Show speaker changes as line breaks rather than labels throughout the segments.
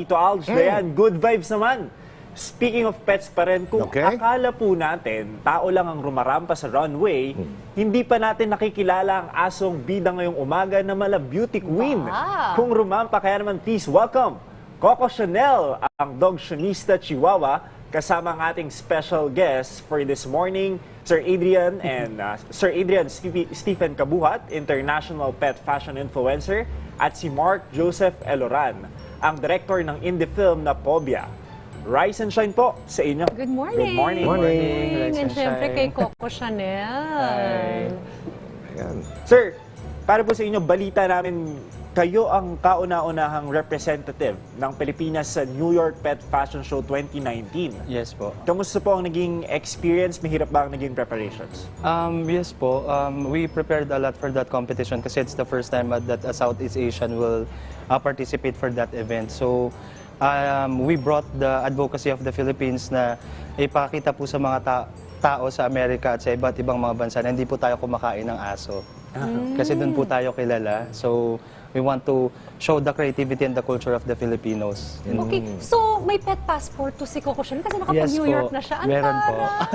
Tito Alj, Dayan, good vibes naman. Speaking of pets pa rin, kung akala po natin, tao lang ang rumarampa sa runway, hindi pa natin nakikilala ang asong bida ngayong umaga na mala beauty queen. Kung rumampa, kaya naman please welcome Coco Chanel, ang dog sionista Chihuahua, kasama ang ating special guest for this morning, Sir Adrian and Sir Adrian Stephen Kabuhat, international pet fashion influencer, at si Mark Joseph Eloran, ang director ng indie film na Pobia. Rise and shine po sa inyo.
Good morning.
Good morning.
Morning. And syempre kay Coco Chanel.
Ayan. Sir, para po sa inyo, balita namin, kayo ang kauna-unahang representative ng Pilipinas sa New York Pet Fashion Show 2019.
Yes po.
Kamusta po ang naging experience? Mahirap ba ang naging preparations?
Yes po. We prepared a lot for that competition kasi it's the first time that a Southeast Asian will participate for that event. So, we brought the advocacy of the Philippines na ipakita po sa mga tao sa Amerika at sa iba't ibang mga bansa na hindi po tayo kumakain ng aso. Kasi doon po tayo kilala. So, we want to show the creativity and the culture of the Filipinos.
Okay, so may pet passport to si Coco Chanel kasi nakapag-New York na siya.
Meron po.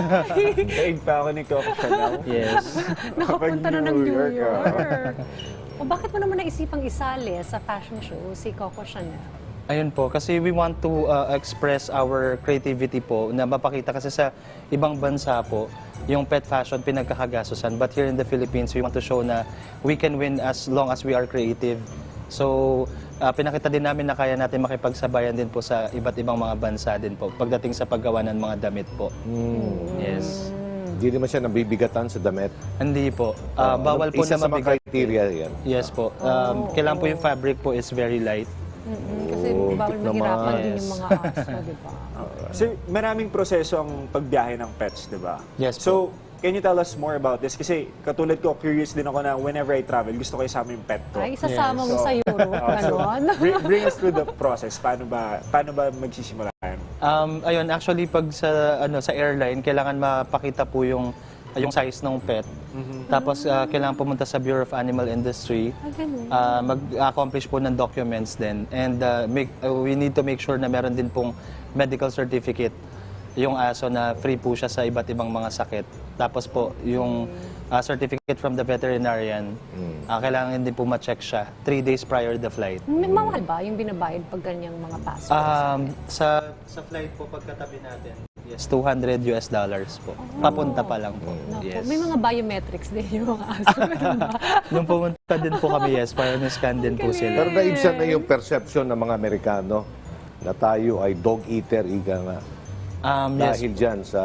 Daig pa ako ni Coco Chanel.
Yes.
Nakapunta na ng New York. O bakit mo naman naisipang isali sa fashion show si Coco Chanel?
Ayun po, kasi we want to express our creativity po na mapakita kasi sa ibang bansa po, yung pet fashion pinagkakagasusan. But here in the Philippines, we want to show na we can win as long as we are creative. So, pinakita din namin na kaya natin makipagsabayan din po sa iba't ibang mga bansa din po pagdating sa paggawa ng mga damit po. Yes.
Hindi naman siya nabibigatan sa damit.
Hindi po. Bawal po
isa
na
sa mga
mabigat.
criteria yan.
Yes po. Kailangan po yung fabric po is very light.
Kasi bawal mahirapan din yung mga aso, di ba?
Sir, maraming proseso ang pagbiyahe ng pets, di ba?
Yes
So, can you tell us more about this? Kasi katulad ko, curious din ako na whenever I travel, gusto ko isama yung pet ko.
Ay, isasama mo sa Europe, gano'n?
Bring us through the process. Paano ba magsisimula yan?
Ayun, actually pag sa airline, kailangan mapakita po yung size ng pet. Tapos kailangan pumunta sa Bureau of Animal Industry. Mag-accomplish po ng documents din. And we need to make sure na meron din pong medical certificate yung aso na free po siya sa iba't ibang mga sakit. Tapos po yung certificate from the veterinarian, kailangan din po ma-check siya 3 days prior the flight.
Mahal ba yung binabayad pag ganyang mga passport?
Sa flight po pagkatabi natin, yes, $200 po. Papunta pa lang po. Yes.
May mga biometrics din yung mga aso.
Nung pumunta din po kami, yes, para na-scan din po sila.
Pero naibsan na yung perception ng mga Amerikano na tayo ay dog eater, ika nga.
Yes.
Dahil dyan sa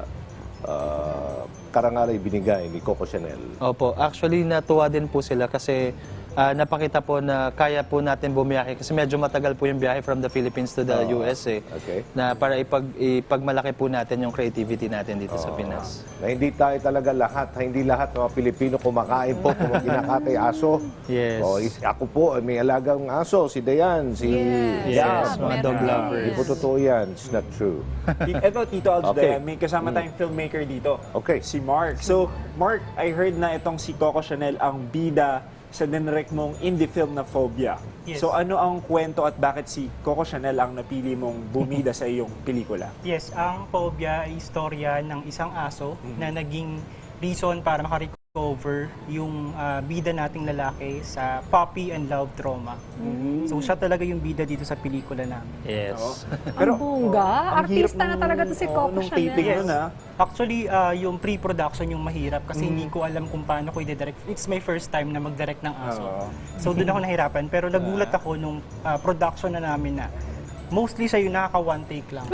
karangalay binigay ni Coco Chanel.
Opo, actually natuwa din po sila kasi napakita po na kaya po natin bumiyahe kasi medyo matagal po yung biyahe from the Philippines to the US
Okay.
na para ipagmalaki po natin yung creativity natin dito sa Pinas.
Na hindi tayo talaga hindi lahat ng mga Pilipino kumakain po kung kinakatay aso.
Yes.
Ako po, may alagang aso, si Dayan, si
Yes, mga dog lovers.
Hindi po totoo yan. It's not true.
Ito, Tito Alj,
Okay.
may kasama tayong filmmaker dito.
Okay.
Si Mark. So, Mark, I heard na itong si Coco Chanel ang bida sa dinirect mong indie film na Phobia.
Yes.
So, ano ang kwento at bakit si Coco Chanel ang napili mong bumida sa iyong pelikula?
Yes, ang Phobia ay istorya ng isang aso na naging reason para makarecover yung bida nating lalaki sa puppy and love trauma. So siya talaga yung bida dito sa pelikula namin.
Yes.
Ang bongga.
ang hirap
Artista na talaga to si Coco
nung
Chanel.
taping nun,
Actually, yung pre-production yung mahirap kasi hindi ko alam kung paano ko i-direct. It's my first time na mag-direct ng aso. So doon ako nahirapan. Pero nagulat ako nung production na namin na mostly siya yung nakaka one take lang.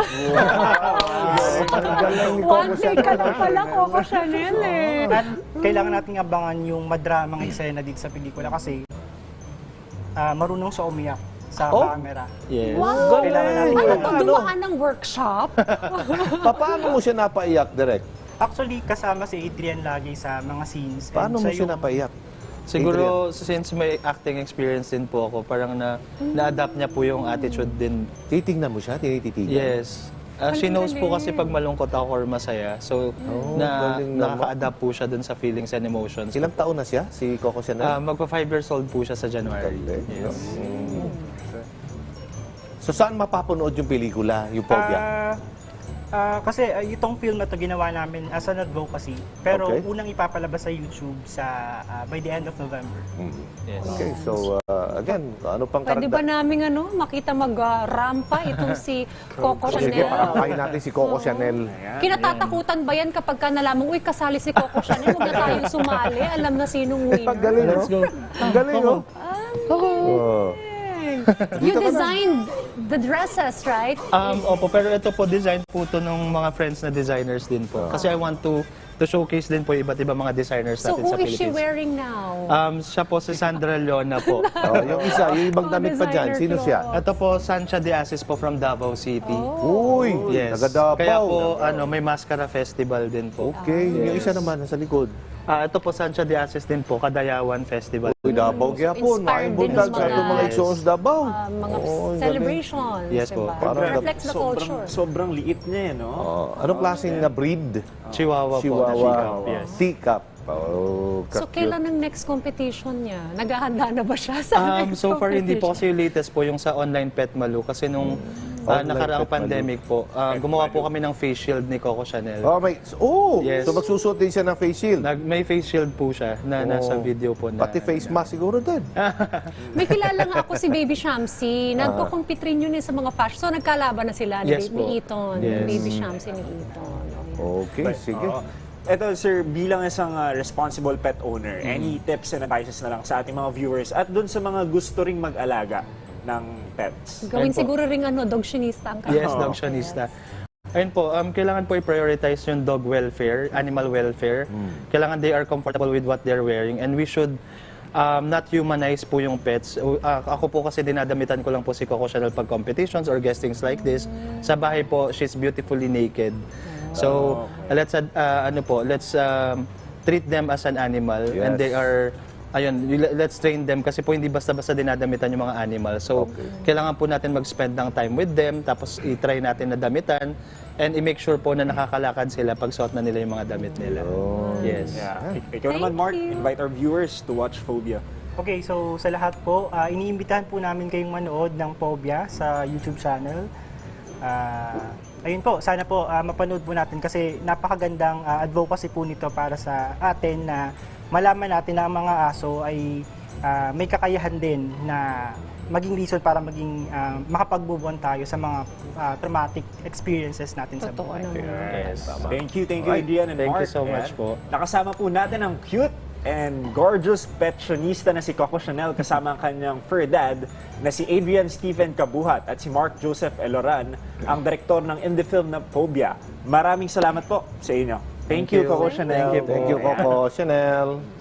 One take ka lang pala, Coco Chanel
At kailangan nating abangan yung madramang eksena dito sa pelikula kasi marunong siya umiyak sa camera.
Yes.
Wow!
Kailangan natin
Ano to, dumaan ng workshop?
Paano mo siya napaiyak direct?
Actually, kasama si Adrian lagi sa mga scenes.
Paano mo siya napaiyak?
Siguro since may acting experience din po ako, parang na-adapt niya po yung attitude din.
Titingnan mo siya? Tinititigan?
Yes. She knows po kasi pag malungkot ako or masaya. So,
galing naman.
nakaka-adapt po siya dun sa feelings and emotions.
Ilang taon na siya, si Coco Chanel?
Magpa 5 years old po siya sa January.
Galing.
Yes.
So saan mapapanood yung pelikula, yung Phobia?
Kasi itong film na to ginawa namin as an advocacy. Pero
Okay.
unang ipapalabas sa YouTube by the end of November.
Yes.
Okay, so again, ano pang
Pwede ba
karagdag?
namin makita mag-rampa itong si Coco
Sige,
Chanel?
pakakain natin si Coco Chanel.
Kinatatakutan ba yan kapag ka nalaman, uy, kasali si Coco Chanel, huwag na tayong sumali, alam na sinong winner.
Galing, no? Ang galing, no? Oh.
You designed the dresses, right?
Opo, pero ito po, design po to ng mga friends na designers din po. Kasi I want to showcase din po iba't ibang mga designers
So
natin
who
sa
is she
Philippines.
wearing now?
Siya po si Sandra Leona po.
Oh, yung isa, yung ibang damit pa dyan,
designer
sino siya?
Ito po, Sancha de Asis po from Davao City.
Uy,
Yes.
taga Davao.
Kaya po, may Mascara Festival din po.
Okay, yung isa naman nasa likod.
Ito po, Sancha de Asis din po, Kadayawan Festival.
Uy, Davao kaya po,
Inspired din
maibundag
ng
sa
mga-
itong mga Exos Davao.
Mga
Oo, ang galing.
celebrations,
Yes po.
diba?
Parang
Reflects the culture.
Sobrang liit niya, no?
Anong klaseng na breed?
Chihuahua po.
Chihuahua.
Yes.
Teacup. Oh,
So
cute.
kailan ang next competition niya? Naghahanda na ba siya sa next
So far, hindi po
competition?
kasi yung latest po yung sa online Pet Malu. Kasi nung
Online
nakaraang
Pet Malu.
pandemic po, gumawa po kami ng face shield ni Coco Chanel.
So
Yes.
magsusuot din siya ng face shield.
May face shield po siya na nasa video po na.
Pati face mask siguro din.
May kilala nga ako si Baby Shamsi. Nagko-compete rin yun sa mga fashion. So nagkalaban na sila ni,
Yes po.
ni Eton.
Yes.
Baby Shamsi ni Eton.
Okay, sige.
Ito, sir, bilang isang responsible pet owner, any tips and advices na lang sa ating mga viewers at dun sa mga gusto ring mag-alaga ng pets?
Gawin
Ayun po.
siguro ring dogtionista ang
Yes,
kanya.
dogtionista. Ayun po, kailangan po i-prioritize yung dog welfare, animal welfare. Kailangan they are comfortable with what they're wearing and we should not humanize po yung pets. Ako po kasi dinadamitan ko lang po si Coco Chanel pag competitions or guestings like this. Sa bahay po, she's beautifully naked. So, let's treat them as an animal and
Yes.
they are let's train them kasi po hindi basta-basta dinadamitan yung mga animal. So, kailangan po natin mag-spend ng time with them, tapos i-try natin na damitan, and i-make sure po na nakakalakad sila pag suot na nila yung mga damit nila. Yes.
Yeah. Ikaw naman,
Thank
Mark,
you.
invite our viewers to watch Phobia.
Okay, so sa lahat po, iniimbitahan po namin kayong manood ng Phobia sa YouTube channel. Ayun po, sana po mapanood po natin kasi napakagandang advocacy po nito para sa atin na malaman natin na ang mga aso ay may kakayahan din na maging reason para maging makapag-move on tayo sa mga traumatic experiences natin sa
Totoo
buhay.
naman.
Yes.
Thank you, Adrian and
Thank
Mark.
you so much
And
po.
Nakasama po natin ang cute and gorgeous petsionista na si Coco Chanel kasama ang kanyang fur dad na si Adrian Stephen Kabuhat at si Mark Joseph Eloran, ang direktor ng indie film na Phobia. Maraming salamat po sa inyo. Thank you,
you.
Coco Chanel.
Thank you po.
Thank you, Coco Chanel.